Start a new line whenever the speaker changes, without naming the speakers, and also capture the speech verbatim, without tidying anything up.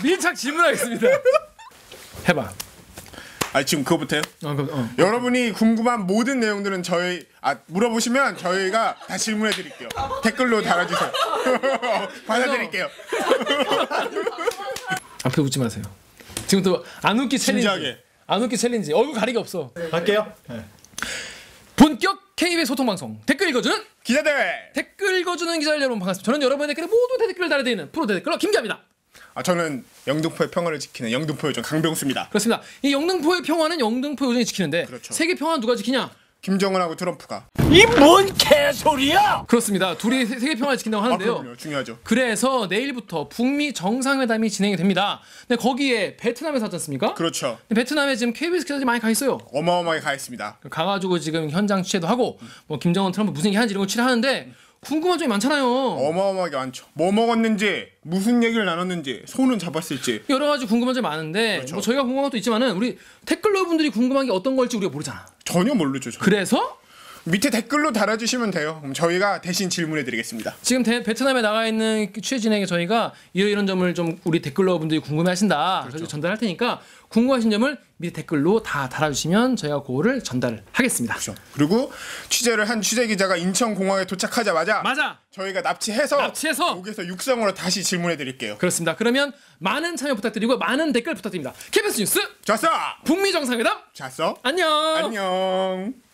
밀착 질문하겠습니다. 해봐.
아 지금 그거부터요?
어, 그, 어.
여러분이 궁금한 모든 내용들은 저희 아 물어보시면 저희가 다 질문해 드릴게요. 댓글로 달아주세요. 받아드릴게요.
앞에 웃지 마세요. 지금부터 안 웃기 챌린지.
진지하게.
안 웃기 챌린지. 얼굴 가리기 없어.
할게요. 네.
본격 케이비에스 소통 방송 댓글 읽어주는
기자대회.
댓글 읽어주는 기자 여러분 반갑습니다. 저는 여러분의 댓글에 모두 댓글을 달아드리는 프로 댓글러 김기아입니다.
아 저는 영등포의 평화를 지키는 영등포 요정 강병수입니다.
그렇습니다. 이 영등포의 평화는 영등포 요정이 지키는데
그렇죠.
세계 평화는 누가 지키냐?
김정은하고 트럼프가.
이 뭔 개소리야!
그렇습니다. 둘이 세- 세계 평화를 지킨다고
아
하는데요.
그럼요. 중요하죠.
그래서 내일부터 북미 정상회담이 진행이 됩니다. 근데 거기에 베트남에서 하지 않습니까?
그렇죠.
근데 베트남에 지금 케이비에스 기자들이 많이 가 있어요.
어마어마하게 가 있습니다.
가가지고 지금 현장 취재도 하고 뭐 김정은 트럼프 무슨 얘기 하는지 이런 거 취재하는데 궁금한 점이 많잖아요.
어마어마하게 많죠. 뭐 먹었는지, 무슨 얘기를 나눴는지, 손은 잡았을지.
여러 가지 궁금한 점이 많은데
그렇죠.
뭐 저희가 궁금한 것도 있지만은 우리 댓글러분들이 궁금한 게 어떤 걸지 우리가 모르잖아.
전혀 모르죠. 저는.
그래서
밑에 댓글로 달아주시면 돼요. 그럼 저희가 대신 질문해드리겠습니다.
지금 대, 베트남에 나가 있는 취재 진행에 저희가 이런 이런 점을 좀 우리 댓글러분들이 궁금해하신다.
그렇죠.
그래서 전달할 테니까 궁금하신 점을 밑에 댓글로 다 달아주시면 저희가 그거를 전달을 하겠습니다.
그렇죠. 그리고 취재를 한 취재 기자가 인천공항에 도착하자마자
맞아.
저희가 납치해서
납치해서
여기서 육성으로 다시 질문해드릴게요.
그렇습니다. 그러면 많은 참여 부탁드리고 많은 댓글 부탁드립니다. 케이비에스 뉴스
잤어!
북미 정상회담
잤어?
안녕.
안녕.